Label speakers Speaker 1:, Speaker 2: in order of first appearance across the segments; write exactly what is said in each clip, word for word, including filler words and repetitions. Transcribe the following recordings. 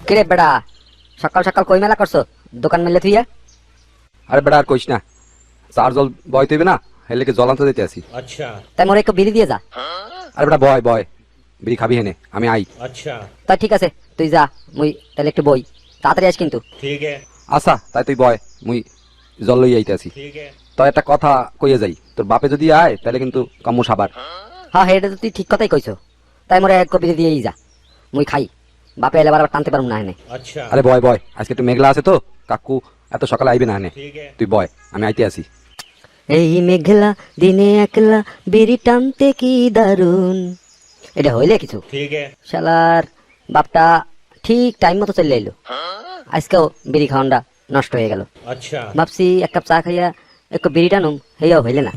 Speaker 1: কিরে বেড়া, সকাল সকাল কই মেলা করছো? দোকান মেলে থুইয়া?
Speaker 2: আরে বেটা আর কইস না, চার জল বয় তৈবে না, হেলেকে জল আনতে দিতে আসি।
Speaker 3: अच्छा
Speaker 1: তাই মোরে একটু বিড়ি দিয়ে যা।
Speaker 2: আরে বেটা বয় বয়, বিড়ি খাবি হেনে, আমি আই।
Speaker 3: अच्छा
Speaker 1: তাই ঠিক আছে, তুই যা, মুই তাহলে একটু বই, তাড়াতাড়ি আস কিন্তু।
Speaker 3: ठीक है
Speaker 2: আচ্ছা তাই তুই বয়, মুই জল লই আইতে আসি।
Speaker 3: ठीक है
Speaker 2: তো একটা কথা কইয়া যাই, তোর বাপে যদি আয় তাহলে কিন্তু কাম্মু সাবার।
Speaker 1: হ্যাঁ এটা তো তুই ঠিক কথাই কইছো। তাই মোরে এক কপি দিয়েই যা, মুই খাই। বাপে এলে আবার টানতে পারবো না হেনে।
Speaker 3: अच्छा
Speaker 2: আরে বয় বয়, আজকে একটু মেঘলা আছে তো, কাকু এত সকালে আইবে না হেনে।
Speaker 3: ठीक है
Speaker 2: তুই বয়, আমি আইতে আসি।
Speaker 1: এই মেঘলা দিনে একলা বিড়ি টানতে কি দারুন। এটা হইলে কিছু,
Speaker 3: ठीक है
Speaker 1: শালার বাপটা ঠিক টাইম মতো চলে এলো। আজকেও বিড়ি খাওয়ানটা নষ্ট হয়ে গেল।
Speaker 3: अच्छा
Speaker 1: ভাবছি এক কাপ চা খাইয়া একটু বিড়ি টানুম, হেয়াও হইলে না।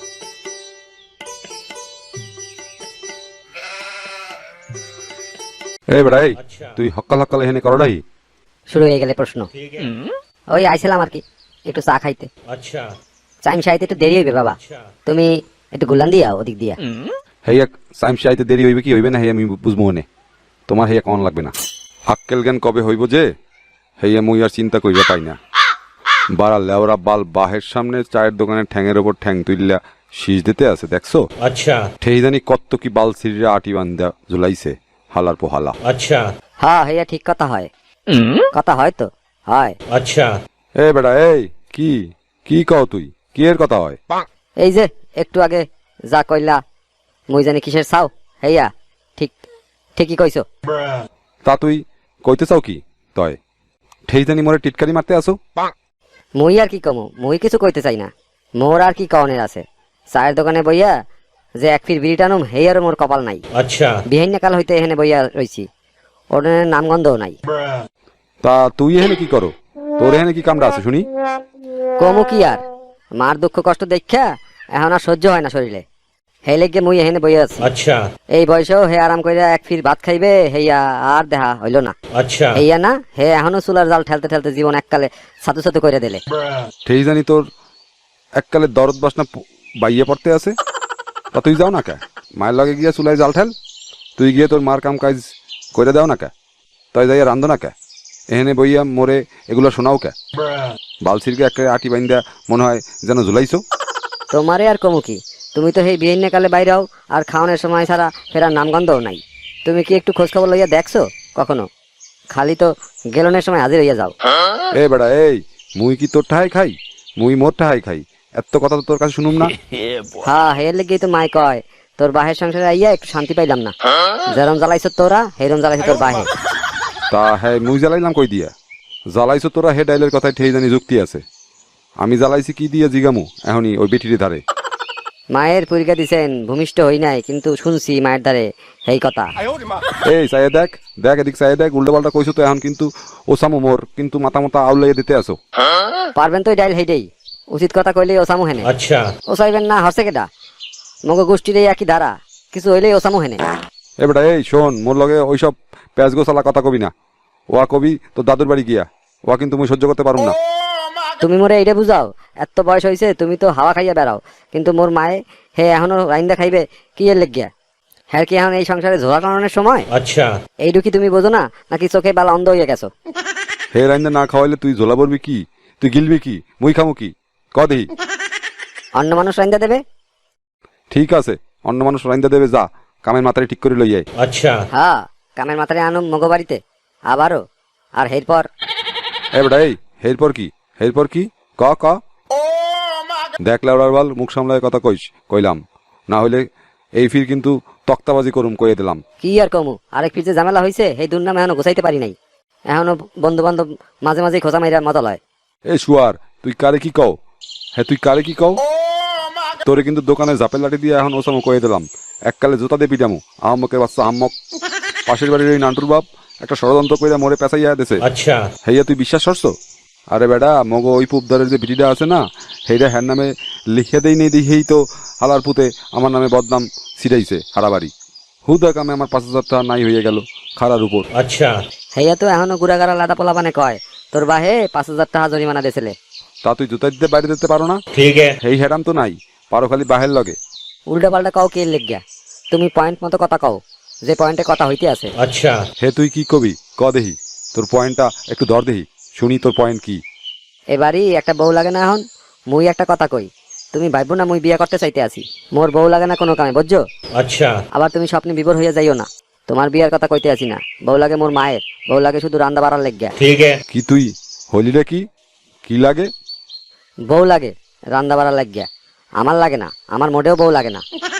Speaker 2: এই বেটা এই,
Speaker 3: আচ্ছা।
Speaker 2: তুই হক্কাল হক্কাল হেনে করডাই।
Speaker 1: শুরু হয়ে গেলে প্রশ্ন।
Speaker 3: ठीक है
Speaker 1: ওই আইছিলাম আর কি একটু চা খাইতে।
Speaker 3: अच्छा
Speaker 1: চাইম সাইতে একটু দেরি হইবে বাবা,
Speaker 3: अच्छा
Speaker 1: তুমি একটু গুলান দিয়া ওদিক দিয়া।
Speaker 2: হেয়া সাইমসে আইতে দেরি হইবে কি হইবে না, হেয়া আমি বুঝবো মনে, তোমার হেয়া কন লাগবে না। আক্কেল জ্ঞান কবে হইব যে, হেয়া মুই আর চিন্তা কইরা পাই না। বাড়া লেওরা বাল বাহের সামনে চায়ের দোকানের ঠ্যাঙের ওপর ঠ্যাং তুইলা শীষ দিতে আছে দেখছো?
Speaker 3: अच्छा
Speaker 2: ঠেই জানি কত কি বাল সিরিরা আটি বান্ধা ঝুলাইছে, হালার পোহালা।
Speaker 3: अच्छा
Speaker 1: হ্যাঁ হেয়া ঠিক কথা হয়, কথা হয় তো হয়।
Speaker 3: अच्छा
Speaker 2: এ বেটা এই, কি কি কও তুই, কি এর কথা হয়?
Speaker 1: এই যে একটু আগে যা কইলা, মুই জানি কিসের চাও, হেয়া ঠিক ঠিকই কইছো।
Speaker 2: তা তুই কইতে চাও কি তয়? ঠেই জানি মোরে টিটকারি মারতে আসো?
Speaker 1: মুই আর কি কমু, মুই কিছু কইতে চাই না। মোর আর কি কনের আছে, চায়ের দোকানে বইয়া যে এক ফির বিড়ি টানুম হেয়ার মোর কপাল নাই।
Speaker 3: अच्छा
Speaker 1: বিহাইন্য কাল হইতে এখানে বইয়া রইছি, ওর নামগন্ধও নাই।
Speaker 2: তা তুই এখানে কি করো, তোর এখানে কি কামড়া আছে শুনি?
Speaker 1: কমু কি আর, মার দুঃখ কষ্ট দেখা এখন আর সহ্য হয় না শরীরে, হে লেগে মুই এখানে বইয়া আছি।
Speaker 3: अच्छा
Speaker 1: এই বয়সেও হে আরাম কইরা এক ফির ভাত খাইবে, হেয়া আর দেখা হইল না।
Speaker 3: अच्छा
Speaker 1: হেয়া না, হে এখনো চুলার জাল ঠেলতে ঠেলতে জীবন এককালে সাতু সাতু করে দিলে।
Speaker 2: ঠেই জানি তোর এককালে দরদ বাসনা প- বাইয়ে পড়তে আছে। তা তুই যাও না কে, মায়ের লগে গিয়া চুলাই জাল ঠেল, তুই গিয়ে তোর মার কাম কাজ করে দাও না কে, তাই যাইয়া রান্ধো না কে, এখানে বইয়া মোরে এগুলো শোনাও কে? বালসিরকে একটা আটি বাইন্দা মনে হয় যেন ঝুলাইছো।
Speaker 1: তোমারে আর কমু কি, তুমি তো সেই বিহিন্য কালে বাইরাও আর খাওয়ানোর সময় ছাড়া ফেরার নামগন্ধও নাই। তুমি কি একটু খোঁজ খবর লইয়া দেখছো কখনো? খালি তো গেলনের সময় হাজির হইয়া যাও।
Speaker 2: এ বেড়া এই, মুই কি তোর ঠাহাই খাই? মুই মোর ঠাহাই খাই, এত কথা তো তোর কাছে শুনুম না।
Speaker 1: হ্যাঁ হের লেগেই তো মাই কয়, তোর বাহের সংসারে আইয়া একটু শান্তি পাইলাম না। যেরম জ্বালাইছো তোরা হেরম জ্বালাইছো তোর বাহে।
Speaker 2: তা হ্যাঁ মুই জ্বালাইলাম কই দিয়া? জ্বালাইছো তোরা হে ডাইলের কথায় ঠেই জানি যুক্তি আছে। আমি জ্বালাইছি কি দিয়ে জিগামু এখনই ওই বেটির ধারে?
Speaker 1: মায়ের পরীক্ষা দিছেন, ভূমিষ্ঠ হই নাই কিন্তু শুনছি মায়ের দ্বারে এই কথা।
Speaker 2: এই চাইয়ে দেখ দেখ এদিক চাইয়ে দেখ, উল্টো পাল্টা কইছো তো এখন কিন্তু ওসামু মোর কিন্তু মাথা মাথা আউলাইয়া দিতে আসো।
Speaker 1: পারবেন তো ডাইল হেইটাই, উচিত কথা কইলে ওসামু হেনে।
Speaker 3: अच्छा
Speaker 1: ও চাইবেন না হসে কেডা, মগ গোষ্ঠীর এই একই ধারা, কিছু হইলেই ওসামু হেনে।
Speaker 2: এ বেটা এই শোন, মোর লগে ওইসব প্যাঁচ গোছালা কথা কবি না। ওয়া কবি তোর দাদুর বাড়ি গিয়া, ওয়া কিন্তু মুই সহ্য করতে পারুম না।
Speaker 1: তুমি মোরে এইটা বুঝাও, এত বয়স হয়েছে তুমি তো হাওয়া খাইয়া বেড়াও, কিন্তু মোর মায়ে হে এখনো রাইন্দা খাইবে কি এর লেগিয়া? হ্যাঁ কি এখন এই সংসারে ঝোলা টানানোর সময়?
Speaker 3: अच्छा
Speaker 1: এইটু কি তুমি বোঝো না, নাকি চোখে বালা অন্ধ হইয়া গেছো?
Speaker 2: হে রাইন্দা না খাওয়াইলে তুই ঝোলা পড়বি কি, তুই গিলবি কি, মুই খামু কি, ক দেহি?
Speaker 1: অন্য মানুষ রাইন্দা দেবে?
Speaker 2: ঠিক আছে, অন্য মানুষ রাইন্দা দেবে, যা কামের মাথায় ঠিক করে লইয়াই।
Speaker 3: अच्छा
Speaker 1: হ্যাঁ কামের মাথারে আনো মগো বাড়িতে আবারও, আর এরপর
Speaker 2: এ বেটা এই, এরপর কি, এরপর কি, ক ক দেখ লাউড়ার বাল, মুখ সামলায় কথা কইস কইলাম, না হইলে এই ফির কিন্তু তক্তাবাজি করুম কইয়ে দিলাম।
Speaker 1: কি আর কমু, আরেক পিছে ঝামেলা হয়েছে, এই দুর্নাম এখনো গোছাইতে পারি নাই। এখনো বন্ধু বান্ধব মাঝে মাঝে খোঁচা মাইরা মজা লয়।
Speaker 2: এই শুয়ার, তুই কারে কি কও? হ্যাঁ তুই কারে কি কও? তোরে কিন্তু দোকানে ঝাপের লাঠি দিয়ে এখন ওসামো কয়ে দিলাম, এককালে জুতা দিয়ে পিটামু। আহম্মকের বাচ্চা আহম্মক, পাশের বাড়ির ওই নান্টুর বাপ একটা ষড়যন্ত্র কইরা মোরে পেঁচাইয়া দেছে।
Speaker 3: अच्छा
Speaker 2: হেইয়া তুই বিশ্বাস করছো? আরে বেটা মগো ওই পুবদারের যে বিটিটা আছে না, সেইটা হ্যার নামে লিখে দেই নেই দিয়েই তো হালার পুতে আমার নামে বদনাম ছিটাইছে হারাবাড়ি। হুদা কামে আমার পাঁচ হাজার টাকা নাই হয়ে গেল খারার উপর।
Speaker 3: अच्छा
Speaker 1: হেয়া তো এখনো গুড়াগাড়া লাদা পোলা বানে কয়, তোর বাহে পাঁচ হাজার টাকা জরিমানা দিয়েছিলে।
Speaker 2: তা তুই জুতা দিতে বাইরে দিতে পারো না?
Speaker 3: ठीक है
Speaker 2: হেই হ্যারাম তো নাই, পারো খালি বাহের লগে।
Speaker 1: উল্টা পাল্টা কও কে লেগিয়া, তুমি পয়েন্ট মতো কথা কও, যে পয়েন্টে কথা হইতে আছে।
Speaker 3: अच्छा
Speaker 2: হে তুই কি কবি ক দেহি? তোর পয়েন্টটা একটু ধর দেহি, শুনি তোর পয়েন্ট কি।
Speaker 1: এবারই একটা বউ লাগে না এখন। মুই একটা কথা কই, তুমি ভাইবো না মুই বিয়ে করতে চাইতে আছি। মোর বউ লাগে না কোনো কামে, বুঝছো?
Speaker 3: अच्छा
Speaker 1: আবার তুমি স্বপ্নে বিভোর হইয়া যাইও না। তোমার বিয়ার কথা কইতে আছি না। বউ লাগে মোর মায়ের, বউ লাগে শুধু রান্দা বাড়ার লেগিয়া।
Speaker 3: ठीक है
Speaker 2: কি তুই হলি রে? কি কি লাগে?
Speaker 1: বউ লাগে রান্দা বাড়ার লাগিয়া। আমার লাগে না, আমার মোটেও বউ লাগে না।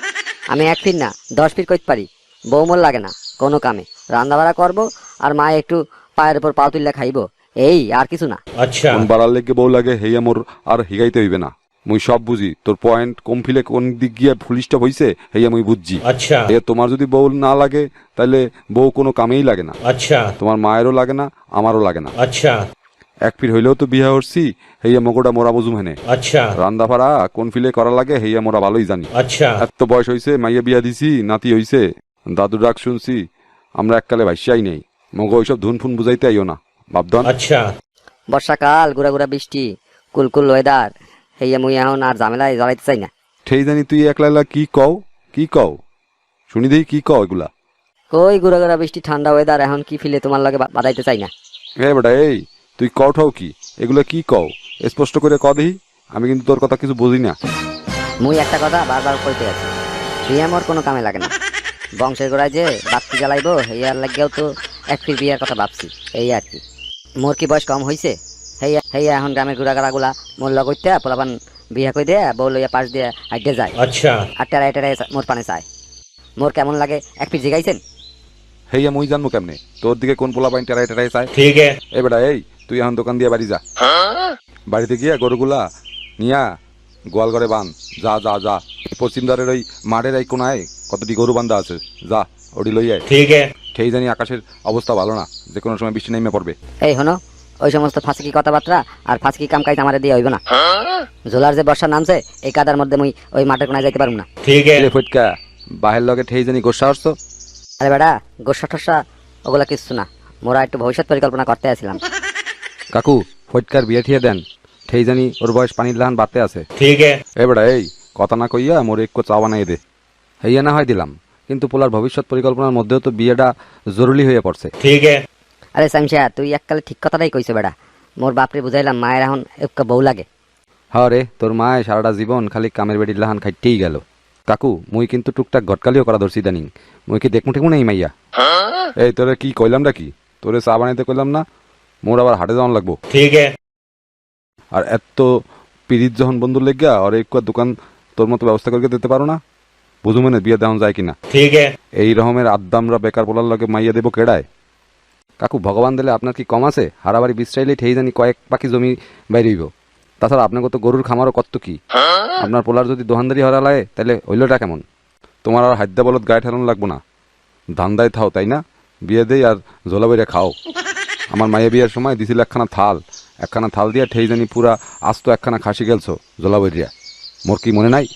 Speaker 1: আমি এক ফিট না দশ ফিট কইতে পারি, বউ মোর লাগে না কোনো কামে। রান্দা বাড়া করবো আর মা একটু পায়ের উপর পা তুললে খাইবো, এই আর কিছু না।
Speaker 3: अच्छा
Speaker 2: কোন বাড়ার লেগে বউ লাগে হেয়া মোর আর হিগাইতে হইবে না। মুই সব বুঝি, তোর পয়েন্ট কম ফিলে কোন দিক গিয়া ফুলিশটা হইছে হেয়া মুই বুঝছি।
Speaker 3: अच्छा
Speaker 2: এ তোমার যদি বউ না লাগে তাহলে বউ কোনো কামেই লাগে না।
Speaker 3: अच्छा
Speaker 2: তোমার মায়েরও লাগে না, আমারও লাগে না।
Speaker 3: अच्छा
Speaker 2: এক ফির হইলেও তো বিয়া হরছি, হেয়া মগোটা মোরা বুঝুম হেনে।
Speaker 3: अच्छा
Speaker 2: রান্দা ফাড়া কোন ফিলে করা লাগে হেয়া মোরা ভালোই জানি।
Speaker 3: अच्छा
Speaker 2: এত বয়স হইছে, মাইয়া বিয়া দিছি, নাতি হইছে, দাদুর ডাক শুনছি, আমরা এককালে ভাইসাই নেই। মগো ওইসব ধুন ফুন বুঝাইতে আইও না বাপধন।
Speaker 3: अच्छा
Speaker 1: বর্ষাকাল, গুড়া গুড়া বৃষ্টি, কুলকুল ওয়েদার, হেয়া মুই এখন আর ঝামেলায় জড়াইতে চাই না।
Speaker 2: ঠেই জানি তুই একলা একলা কি কও, কি কও শুনি দেই, কি কও এগুলা?
Speaker 1: কই গুড়া গুড়া বৃষ্টি, ঠান্ডা ওয়েদার, এখন কি ফিলে তোমার লাগে বা- বাদাইতে চাই না।
Speaker 2: এ বেটা এই, তুই কও ঠাও কি এগুলো কি কও? স্পষ্ট করে ক দেহি, আমি কিন্তু তোর কথা কিছু বুঝি না।
Speaker 1: মুই একটা কথা বারবার কইতে আছি, বিয়ে মোর কোনো কামে লাগে না। বংশের গোড়ায় যে বাতি জ্বালাইবো হেয়ার লাগিয়াও তো এক ফির বিয়ার কথা ভাবছি, এই আর কি। মোর কি বয়স কম হইছে? হেয়া হেয়া এখন গ্রামের ঘুরা গুলা মোর লগ হইতে পোলাপান বিয়া কই দেয়া বউ লইয়া পাশ দিয়ে আড্ডে যায়
Speaker 3: अच्छा
Speaker 1: আর টেরাই টেরাই মোর পানে চায়। মোর কেমন লাগে এক ফির জিগাইছেন?
Speaker 2: হেইয়া মুই জানবো কেমনে তোর দিকে কোন পোলা পাইন টেরাই টেরাই চায়?
Speaker 3: ठीक है
Speaker 2: এ বেটা এই, তুই এখন দোকান দিয়ে বাড়ি যা। বাড়িতে গিয়া গরুগুলা নিয়া গোয়াল ঘরে বান। যা যা যা, পশ্চিম দ্বারের ওই মাঠের এই কোনায় কতটি গরু বান্ধা আছে, যা ওটি লই আয়।
Speaker 3: ठीक है
Speaker 2: সেই জানি আকাশের অবস্থা ভালো না, যে কোনো সময় বৃষ্টি নেমে পড়বে।
Speaker 1: এই হনো, ওই সমস্ত ফাঁসকি কথাবার্তা আর ফাঁসকি কাম কাজ আমারে দিয়ে হইব না। ঝোলার যে বর্ষা নামছে, এই কাদার মধ্যে মুই ওই মাঠের কোনায় যাইতে পারবো না।
Speaker 3: ठीक है
Speaker 2: এ ফটকা, বাহের লগে ঠেই জানি গোসা আসছো।
Speaker 1: আরে বেটা, গোসা ঠসা ওগুলা কিচ্ছু না, মোরা একটু ভবিষ্যৎ পরিকল্পনা করতে আসছিলাম।
Speaker 2: কাকু ফটকার বিয়ে ঠিয়ে দেন, ঠেই জানি ওর বয়স পানির লাহান বাড়তে আছে।
Speaker 3: ठीक है
Speaker 2: এ বেটা এই, কথা না কইয়া মোর একটু চা বানাই দে। হইয়া না হয় দিলাম, কিন্তু পোলার ভবিষ্যৎ পরিকল্পনার মধ্যেও তো বিয়েটা জরুরি হয়ে পড়ছে।
Speaker 3: ठीक है
Speaker 1: আরে সামশা, তুই এককালে ঠিক কথাটাই কইছে বেটা। মোর বাপরে বুঝাইলাম মায়ের এখন একটা বউ লাগে।
Speaker 2: হ্যাঁ রে, তোর মায় সারাটা জীবন খালি কামের বেটির লাহান খাইতেই গেল। কাকু মুই কিন্তু টুকটাক গটকালিও করা ধরছি দানিং, মুই কি দেখমু ঠেকমু নেই মাইয়া। এই তোরে কি কইলাম না, কি তোরে চা বানাইতে কইলাম না? মোর আবার হাটে যাওয়ান লাগবো।
Speaker 3: ठीक है
Speaker 2: আর এত পিরিত যখন বন্ধুর লেগা আর একটু দোকান তোর মতো ব্যবস্থা করে দিতে পারো না? বুঝু মানে বিয়ে দেওয়া যায় কিনা।
Speaker 3: ठीक है
Speaker 2: এই রকমের আদ্দামরা বেকার বলার লগে মাইয়া দেবো কেডায়? কাকু ভগবান দিলে আপনার কি কম আছে? হারাবাড়ি বিশ্রাইলে ঠেই জানি কয়েক পাখি জমি বাইরেইব। তাছাড়া আপনাকে তো গরুর খামারও কত কি। আপনার পোলার যদি দোহানদারি হরা লাগে তাহলে হইলটা কেমন? তোমার আর হাদ্যা বলত গায়ে ঠেলানো লাগবো না, ধান্দায় থাও, তাই না? বিয়ে দেই আর ঝোলা বইরা খাও। আমার মায়ের বিয়ের সময় দিছিল একখানা থাল, একখানা থাল দিয়া ঠেই জানি পুরা আস্ত একখানা খাসি গেলছো ঝোলা বইরিয়া। মোর কি মনে নাই?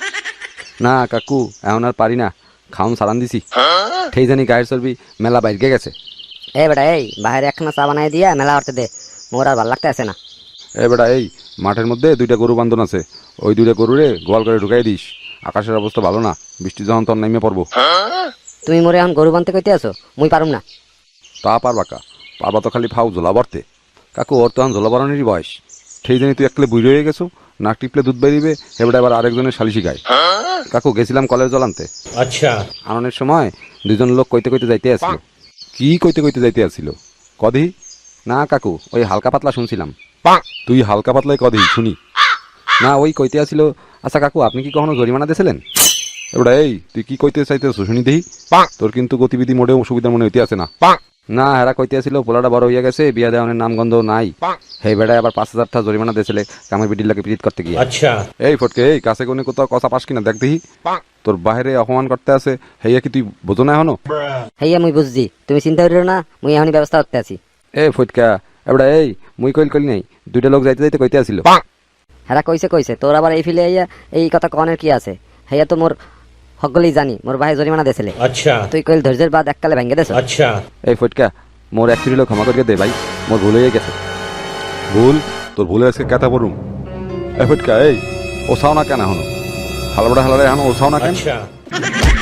Speaker 2: না কাকু, এখন আর পারি না, খাওন সারান দিছি। ঠেই জানি গায়ের চর্বি মেলা বাইরে গেছে।
Speaker 1: এই বেটা এই, বাইরে একখানা চা বানাই দিয়া মেলা হরতে দে, মোর আর ভাল লাগতে আছে না।
Speaker 2: এ বেটা এই, মাঠের মধ্যে দুইটা গরু বান্ধন আছে, ওই দুইটা গরুরে গোয়াল করে ঢুকাই দিস। আকাশের অবস্থা ভালো না, বৃষ্টি যখন তোর নেমে পড়বো।
Speaker 1: তুমি মোরে এখন গরু বানতে কইতে আছো? মুই পারুম না।
Speaker 2: তা পারবা কা? পারবা তো খালি ফাও ঝোলা ভরতে। কাকু ওর তো এখন ঝোলা ভরানোরই বয়স। সেই জানি তুই একলে বুড়ি হয়ে গেছো, নাক টিপলে দুধ বেরিবে, এবার এবার আরেকজনের সালিশি গায়। কাকু গেছিলাম কলের জল আনতে,
Speaker 3: अच्छा
Speaker 2: আননের সময় দুজন লোক কইতে কইতে যাইতে আসছিল। কি কইতে কইতে যাইতে আসছিল কদি? না কাকু, ওই হালকা পাতলা শুনছিলাম। তুই হালকা পাতলাই কদি শুনি না, ওই কইতে আসছিল। আচ্ছা কাকু, আপনি কি কখনো জরিমানা দিয়েছিলেন? এবার এই, তুই কি কইতে চাইতেছ শুনি দেহি। তোর কিন্তু গতিবিধি মোটেও সুবিধা মনে হইতে আছে না। না হেরা কইতে আসছিল পোলাটা বড় হইয়া গেছে, বিয়া দেওয়ানের নামগন্ধ নাই। হেই বেড়ায় আবার পাঁচ হাজার টাকা জরিমানা দিয়েছিলে কামের বিটির লাগে পিরিত করতে গিয়ে।
Speaker 3: अच्छा
Speaker 2: এই ফটকে এই, কাছে কোনে কোথাও কথা পাস কিনা দেখ দেহি। তোর বাহিরে অপমান করতে আছে, হেইয়া কি তুই বোঝো না এখনো?
Speaker 1: হেইয়া মুই বুঝছি, তুমি চিন্তা করিও না, মুই এখনই ব্যবস্থা করতে আছি।
Speaker 2: এ ফটকা, এবার এই, মুই কইল কইল নাই, দুইটা লোক যাইতে যাইতে কইতে আসছিল।
Speaker 1: হেরা কইছে কইছে, তোর আবার এই ফিলে হইয়া এই কথা কনের কি আছে? হেইয়া তো মোর সকলেই জানি, মোর ভাই জরিমানা দিয়েছিলে।
Speaker 3: अच्छा
Speaker 1: তুই কইল ধৈর্যের বাদ এককালে ভেঙে দেছ।
Speaker 3: अच्छा
Speaker 2: এই ফটকা, মোর এক লোক ক্ষমা করিয়ে দে ভাই, মোর ভুল হয়ে গেছে। ভুল? তোর ভুলে আজকে কেতা পড়ুম। এ ফটকা এই, ওসাও না কেন এখনো? হালবাড়া হালারে এখনো ওসাও না কেন?
Speaker 3: अच्छा